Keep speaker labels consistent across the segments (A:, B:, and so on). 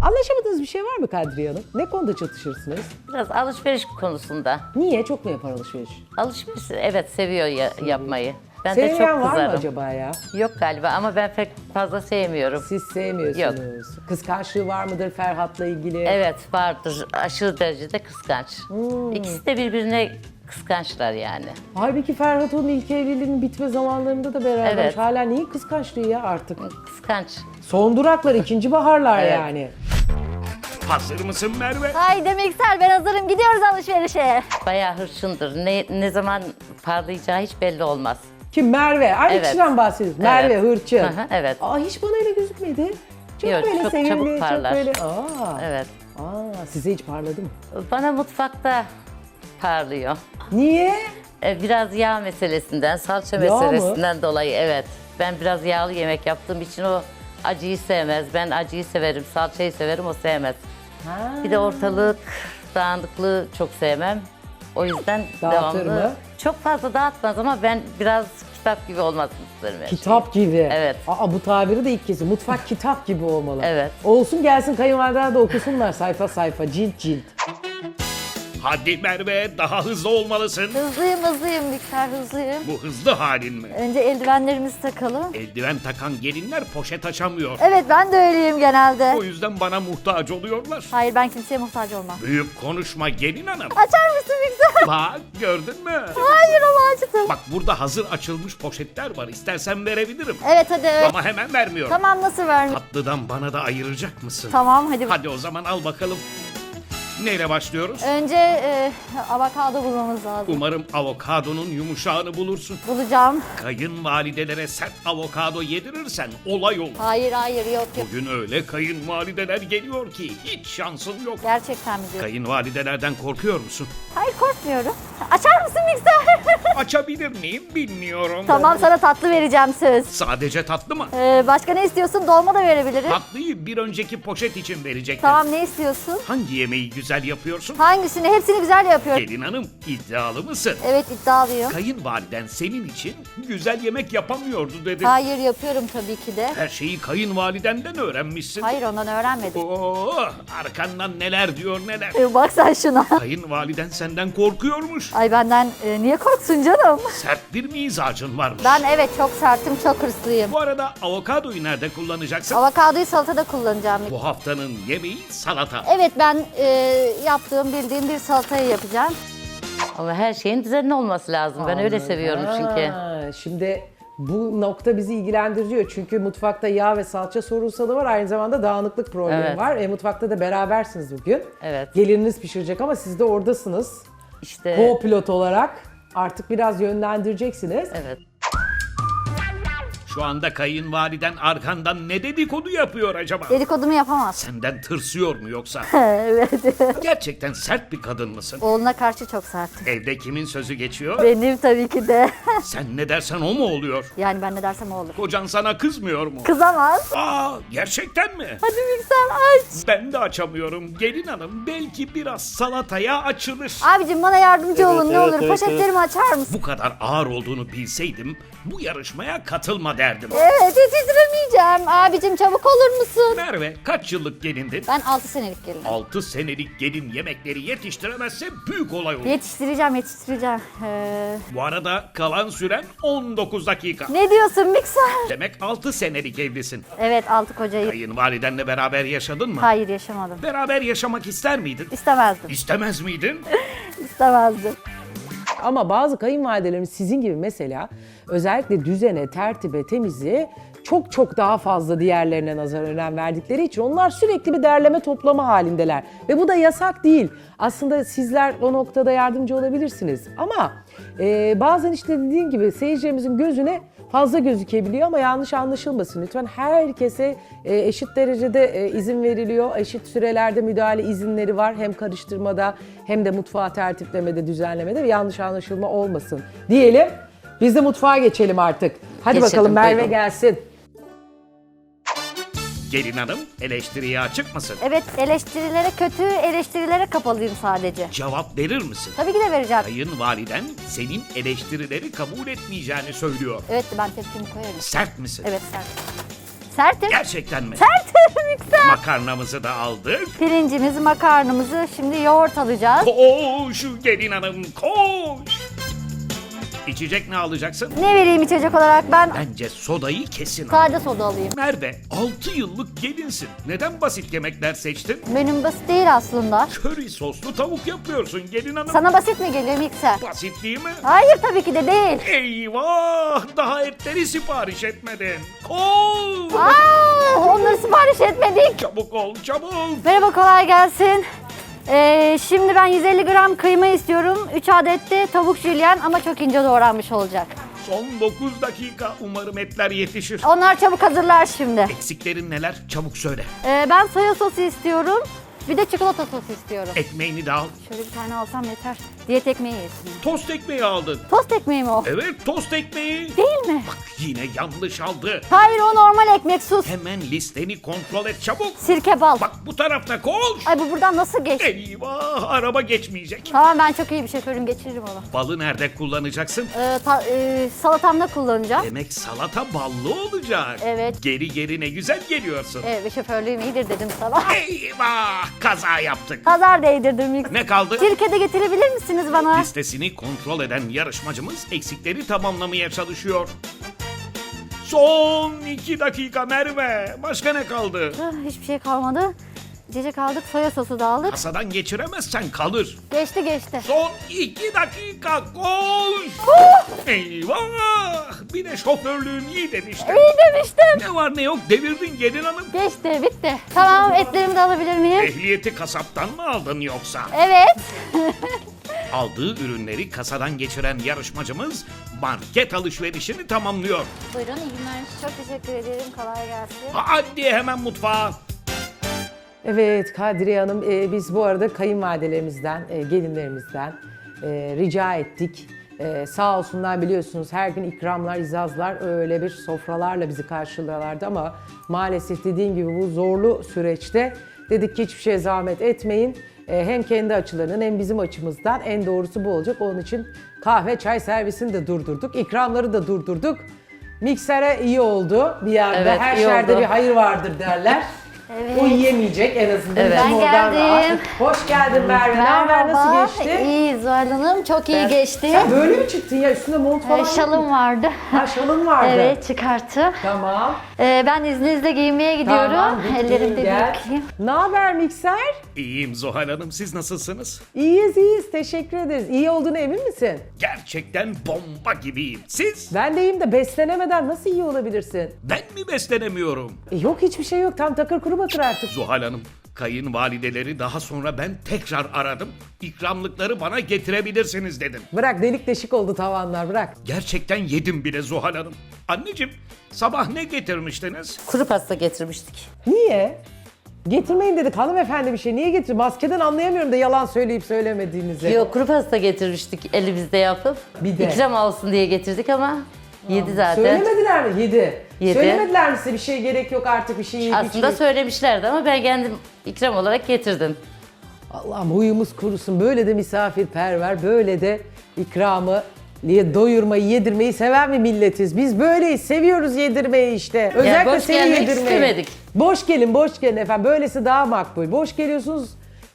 A: Anlaşamadığınız bir şey var mı Kadriye Hanım? Ne konuda çatışırsınız?
B: Biraz alışveriş konusunda.
A: Niye? Çok mu yapar alışveriş?
B: Alışveriş evet seviyor yapmayı. Ben de
A: Sevmeyen
B: çok
A: var mı
B: kızarım.
A: acaba ya?
B: Yok galiba ama ben pek fazla sevmiyorum.
A: Siz sevmiyorsunuz. Kıskançlığı var mıdır Ferhat'la ilgili?
B: Evet vardır. Aşırı derecede kıskanç. İkisi de birbirine kıskançlar yani.
A: Halbuki Ferhat onun ilk evliliğinin bitme zamanlarında da beraber.
B: Evet.
A: Hala neyin kıskançlığı ya artık?
B: Kıskanç.
A: Son duraklar, ikinci baharlar
B: Evet.
A: yani.
C: Hazır mısın Merve?
D: Haydi Mikser, ben hazırım. Gidiyoruz alışverişe.
B: Bayağı hırçındır. Ne zaman parlayacağı hiç belli olmaz.
A: Kim? Merve. Aynı
B: Evet.
A: kişiden bahsediyoruz. Merve Hırçın.
B: Hı hı, evet.
A: Aa, hiç bana öyle gözükmedi. Çok
B: Yok,
A: böyle
B: çok
A: sevimli,
B: çabuk
A: çok
B: parlar.
A: böyle.
B: Evet.
A: Size hiç parladı mı?
B: Bana mutfakta parlıyor.
A: Niye?
B: Biraz yağ meselesinden, salça
A: Yağ mı?
B: meselesinden dolayı evet. Ben biraz yağlı yemek yaptığım için o acıyı sevmez. Ben acıyı severim, salçayı severim, o sevmez. Bir de ortalık dağınıklığı çok sevmem. O yüzden
A: Dağıtır
B: devamlı...
A: mı?
B: Çok fazla dağıtmaz ama ben biraz kitap gibi olmasını isterim. her şey.
A: Kitap gibi.
B: Evet.
A: Aa, bu tabiri de ilk kez. Mutfak kitap gibi olmalı.
B: Evet.
A: Olsun gelsin kayınvalideler de okusunlar sayfa sayfa, cilt cilt.
C: Hadi Merve, daha hızlı olmalısın.
D: Hızlıyım Mikser, hızlıyım.
C: Bu hızlı halin mi?
D: Önce eldivenlerimizi takalım.
C: Eldiven takan gelinler poşet açamıyor.
D: Evet, ben de öyleyim genelde.
C: O yüzden bana muhtaç oluyorlar.
D: Hayır, ben kimseye muhtaç olmam.
C: Büyük konuşma gelin hanım.
D: Açar mısın Mikser?
C: Bak gördün mü?
D: Hayır ama açtım.
C: Bak burada hazır açılmış poşetler var. İstersen verebilirim.
D: Evet hadi.
C: Ama hemen vermiyorum.
D: Tamam, nasıl vermiş?
C: Tatlıdan bana da ayıracak mısın?
D: Tamam hadi.
C: Hadi o zaman al bakalım. Neyle başlıyoruz?
D: Önce avokado bulmamız lazım.
C: Umarım avokadonun yumuşağını bulursun.
D: Bulacağım.
C: Kayınvalidelere sert avokado yedirirsen olay olur.
D: Hayır yok.
C: Bugün öyle kayınvalideler geliyor ki hiç şansın yok.
D: Gerçekten mi diyorsun?
C: Kayınvalidelerden korkuyor musun?
D: Hayır, korkmuyorum. Açar mısın Mikser?
C: Açabilir miyim bilmiyorum.
D: Tamam, sana tatlı vereceğim söz.
C: Sadece tatlı mı?
D: Başka ne istiyorsun? Dolma da verebilirim.
C: Tatlıyı bir önceki poşet için verecektim.
D: Tamam, ne istiyorsun?
C: Hangi yemeği güzel yapıyorsun?
D: Hangisini? Hepsini güzel yapıyorum.
C: Gelin hanım iddialı mısın?
D: Evet, iddialıyım.
C: Kayınvaliden senin için güzel yemek yapamıyordu dedi.
D: Hayır, yapıyorum tabii ki de.
C: Her şeyi kayınvalidenden öğrenmişsin.
D: Hayır, ondan öğrenmedim.
C: Oo, arkandan neler diyor neler.
D: Bak sen şuna.
C: Kayınvaliden senden korkuyormuş.
D: Ay benden niye korksun canım?
C: Sert bir mizacın varmış.
D: Ben evet çok sertim, çok hırslıyım.
C: Bu arada avokadoyu nerede kullanacaksın?
D: Avokadoyu salatada kullanacağım.
C: Bu haftanın yemeği salata.
D: Evet, ben yaptığım, bildiğim bir salatayı yapacağım.
B: Ama her şeyin düzenli olması lazım. Ben öyle
A: Anladım.
B: seviyorum çünkü.
A: Ha, şimdi bu nokta bizi ilgilendiriyor. Çünkü mutfakta yağ ve salça sorunsalı var. Aynı zamanda dağınıklık problemi
B: Evet.
A: var. Mutfakta da berabersiniz bugün.
B: Evet.
A: Gelininiz pişirecek ama siz de oradasınız.
B: İşte
A: Co-pilot olarak artık biraz yönlendireceksiniz.
B: evet.
C: Şu anda kayınvaliden arkandan ne dedikodu yapıyor acaba?
D: Dedikodumu yapamaz.
C: Senden tırsıyor mu yoksa?
D: Evet.
C: Gerçekten sert bir kadın mısın?
D: Oğluna karşı çok sertim.
C: Evde kimin sözü geçiyor?
D: Benim tabii ki de.
C: Sen ne dersen o mu oluyor?
D: Yani ben ne dersem o olur.
C: Kocan sana kızmıyor mu?
D: Kızamaz.
C: Aa, gerçekten mi?
D: Hadi Mikser aç.
C: Ben de açamıyorum. Gelin hanım belki biraz salataya açılır.
D: Abicim bana yardımcı olun ne olur. Poşetlerimi açar mısın?
C: Bu kadar ağır olduğunu bilseydim bu yarışmaya katılma derdim.
D: Evet, yetiştiremeyeceğim. Abicim çabuk olur musun?
C: Merve kaç yıllık gelindin?
D: Ben 6 senelik gelinim.
C: 6 senelik gelin yemekleri yetiştiremezse büyük olay olur.
D: Yetiştireceğim.
C: Bu arada kalan süren 19 dakika.
D: Ne diyorsun Mikser?
C: Demek 6 senelik evlisin.
D: Evet, 6 kocayı.
C: Kayınvalidenle beraber yaşadın mı?
D: Hayır, yaşamadım.
C: Beraber yaşamak ister miydin?
D: İstemezdim.
C: İstemez miydin?
D: İstemezdim.
A: Ama bazı kayınvalidelerimiz sizin gibi mesela özellikle düzene, tertibe, temizliğe çok daha fazla diğerlerine nazaran önem verdikleri için onlar sürekli bir derleme toplama halindeler. Ve bu da yasak değil. Aslında sizler o noktada yardımcı olabilirsiniz. Ama bazen işte dediğim gibi seyircilerimizin gözüne fazla gözükebiliyor ama yanlış anlaşılmasın lütfen. Herkese eşit derecede izin veriliyor. Eşit sürelerde müdahale izinleri var. Hem karıştırmada hem de mutfağı tertiplemede, düzenlemede ve yanlış anlaşılma olmasın diyelim. Biz de mutfağa geçelim artık. Hadi
B: Geçelim,
A: bakalım Merve
B: buyurun.
A: gelsin.
C: Gelin hanım eleştiriye açık mısın?
D: Evet, eleştirilere, kötü eleştirilere kapalıyım sadece.
C: Cevap verir misin?
D: Tabii ki de vereceğim.
C: Kayınvaliden senin eleştirileri kabul etmeyeceğini söylüyor.
D: Evet, ben tepkimi koyarım.
C: Sert misin?
D: Evet, sert. Sertim.
C: Gerçekten mi?
D: Sertim mikser.
C: Makarnamızı da aldık.
D: Pirincimizi, makarnamızı şimdi yoğurt alacağız.
C: Koş gelin hanım koş. İçecek ne alacaksın?
D: Ne vereyim içecek olarak ben?
C: Bence sodayı kesin al.
D: Sade soda alayım.
C: Merve 6 yıllık gelinsin. Neden basit yemekler seçtin?
D: Menüm basit değil aslında.
C: Köri soslu tavuk yapıyorsun gelin hanım.
D: Sana basit mi geliyor mikser?
C: Basit değil mi?
D: Hayır tabii ki de değil.
C: Eyvah! Daha etleri sipariş etmedin. Koş!
D: Onları sipariş etmedik.
C: Çabuk ol çabuk.
D: Merhaba, kolay gelsin. Şimdi ben 150 gram kıyma istiyorum. 3 adet de tavuk jülyen ama çok ince doğranmış olacak.
C: Son 9 dakika. Umarım etler yetişir.
D: Onlar çabuk hazırlar şimdi.
C: Eksiklerin neler? Çabuk söyle.
D: Ben soya sosu istiyorum. Bir de çikolata sosu istiyorum.
C: Ekmeğini de al.
D: Şöyle bir tane alsam yeter. Diyet ekmeği yesin.
C: Tost ekmeği aldın.
D: Tost ekmeği mi o?
C: Evet tost ekmeği.
D: Değil mi?
C: Bak yine yanlış aldı.
D: Hayır, o normal ekmek, sus.
C: Hemen listeni kontrol et çabuk.
D: Sirke bal.
C: Bak bu tarafta koş.
D: Ay, bu buradan nasıl geç?
C: Eyvah araba geçmeyecek.
D: Tamam, ben çok iyi bir şoförüm, geçiririm onu.
C: Balı nerede kullanacaksın?
D: Salatamda kullanacağım.
C: Demek salata ballı olacak.
D: Evet.
C: Geri ne güzel geliyorsun.
D: Evet, ve şoförlüğüm iyidir dedim sana.
C: Eyvah kaza yaptık.
D: Pazar değdirdim ilk.
C: Ne kaldı?
D: Sirke de getirebilir misiniz bana?
C: Listesini kontrol eden yarışmacımız eksikleri tamamlamaya çalışıyor. Son 2 dakika Merve. Başka ne kaldı?
D: Hiçbir şey kalmadı. İçecek aldık, soya sosu da aldık.
C: Kasadan geçiremezsen kalır.
D: Geçti.
C: Son 2 dakika koş. Eyvah. Bir de şoförlüğüm iyi demiştim.
D: İyi demiştim.
C: Ne var ne yok devirdin gelin hanım.
D: Geçti, bitti. Tamam, etlerimi de alabilir miyim?
C: Ehliyeti kasaptan mı aldın yoksa?
D: Evet.
C: Aldığı ürünleri kasadan geçiren yarışmacımız market alışverişini tamamlıyor.
D: Buyurun, iyi günler. Çok teşekkür ederim. Kolay gelsin.
C: Hadi hemen mutfağa.
A: Evet Kadriye Hanım, biz bu arada kayınvalidelerimizden, gelinlerimizden rica ettik. Sağ olsunlar, biliyorsunuz her gün ikramlar, izazlar, öyle bir sofralarla bizi karşılıyorlardı ama maalesef dediğim gibi bu zorlu süreçte dedik ki hiçbir şeye zahmet etmeyin. Hem kendi açılarının hem bizim açımızdan en doğrusu bu olacak. Onun için kahve, çay servisini de durdurduk, ikramları da durdurduk. Miksere iyi oldu bir yerde,
B: Evet,
A: her
B: iyi
A: şerde
B: oldu.
A: bir hayır vardır derler.
D: Evet.
A: O yiyemeyecek en azından.
B: Evet.
A: Bizim
D: Ben
A: oradan
D: geldim.
A: rahat. Hoş geldin Merve. Ne haber? Nasıl geçti?
D: İyi Zuhal Hanım, çok iyi geçti.
A: Sen böyle mi çıktın ya? Üstünde mont falan yok mu?
D: Şalım vardı.
A: Ha, şalın vardı.
D: Evet, çıkarttı.
A: Tamam.
D: Ben izninizle giyinmeye gidiyorum.
A: Tamam. git
D: Ellerimde
A: giyin, gel.
D: yıkayayım.
A: Ne haber mikser?
C: İyiyim Zuhal Hanım, siz nasılsınız?
A: İyiyiz. Teşekkür ederiz. İyi olduğuna emin misin?
C: Gerçekten bomba gibiyim. Siz?
A: Ben de iyiyim de beslenemeden nasıl iyi olabilirsin?
C: Ben mi beslenemiyorum?
A: Yok hiçbir şey yok. Tam takır kuru bakır artık.
C: Zuhal Hanım, kayınvalideleri daha sonra ben tekrar aradım. İkramlıkları bana getirebilirsiniz dedim.
A: Bırak, delik deşik oldu tavanlar, bırak.
C: Gerçekten yedim bile Zuhal Hanım. Anneciğim, sabah ne getirmiştiniz?
B: Kuru pasta getirmiştik.
A: Niye? Getirmeyin dedik hanımefendi bir şey. Niye getir? Maskeden anlayamıyorum da yalan söyleyip söylemediğinizi.
B: Yok, kuru pasta getirmiştik elimizde yapıp.
A: Bir de.
B: İkram olsun diye getirdik ama yedi zaten.
A: Söylemediler mi? Yedi.
B: Yedi.
A: Söylemediler mi size bir şey gerek yok artık bir şey yiyip
B: Aslında
A: içmeyin?
B: söylemişlerdi ama ben kendim ikram olarak getirdim.
A: Allah'ım huyumuz kurusun. Böyle de misafirperver, böyle de ikramı doyurmayı, yedirmeyi seven bir milletiz. Biz böyleyiz, seviyoruz yedirmeyi işte. Özellikle
B: boş
A: seni
B: gelmek
A: yedirmeyi.
B: istemedik.
A: Boş gelin efendim. Böylesi daha makbul. Boş geliyorsunuz,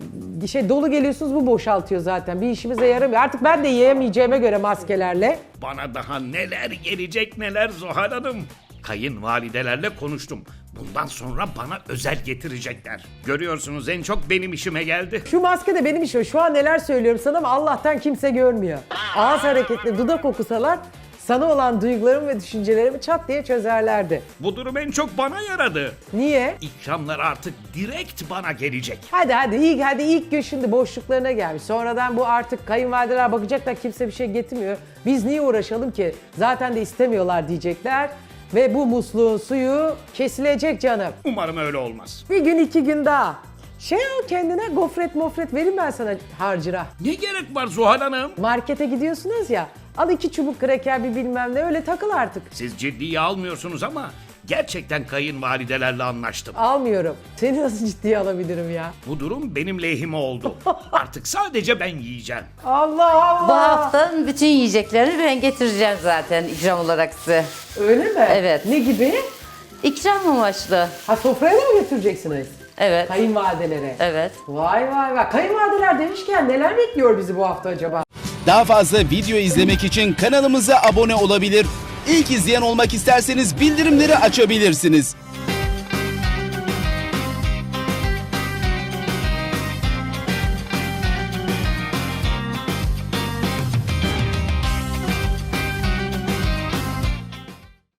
A: dolu geliyorsunuz, bu boşaltıyor zaten. Bir işimize yaramıyor. Artık ben de yiyemeyeceğime göre maskelerle.
C: Bana daha neler gelecek neler Zuhal Hanım. Kayınvalidelerle konuştum. Bundan sonra bana özel getirecekler. Görüyorsunuz en çok benim işime geldi.
A: Şu maske de benim işim. Şu an neler söylüyorum sana ama Allah'tan kimse görmüyor. Ağız hareketleri, dudak okusalar sana olan duygularımı ve düşüncelerimi çat diye çözerlerdi.
C: Bu durum en çok bana yaradı.
A: Niye?
C: İkramlar artık direkt bana gelecek.
A: Hadi ilk gün şimdi boşluklarına gelmiş. Sonradan bu artık kayınvalideler bakacaklar, kimse bir şey getirmiyor. Biz niye uğraşalım ki? Zaten de istemiyorlar diyecekler. Ve bu musluğun suyu kesilecek canım.
C: Umarım öyle olmaz.
A: Bir gün 2 gün daha. Al kendine gofret vereyim ben sana harcıra.
C: Ne gerek var Zuhal Hanım?
A: Markete gidiyorsunuz ya, al 2 çubuk kraker bir bilmem ne, öyle takıl artık.
C: Siz ciddiye almıyorsunuz ama gerçekten kayınvalidelerle anlaştım.
A: Almıyorum. Seni nasıl ciddiye alabilirim ya?
C: Bu durum benim lehime oldu. Artık sadece ben yiyeceğim.
A: Allah Allah.
B: Bu hafta bütün yiyeceklerini ben getireceğim zaten ikram olarak size.
A: Öyle mi?
B: Evet.
A: Ne gibi?
B: İkram amaçlı.
A: Ha, sofraya da mı götüreceksiniz?
B: Evet.
A: Kayınvalidelere.
B: Evet.
A: Vay vay vay. Kayınvalideler demişken neler bekliyor bizi bu hafta acaba?
E: Daha fazla video izlemek için kanalımıza abone olabilir. İlk izleyen olmak isterseniz bildirimleri açabilirsiniz.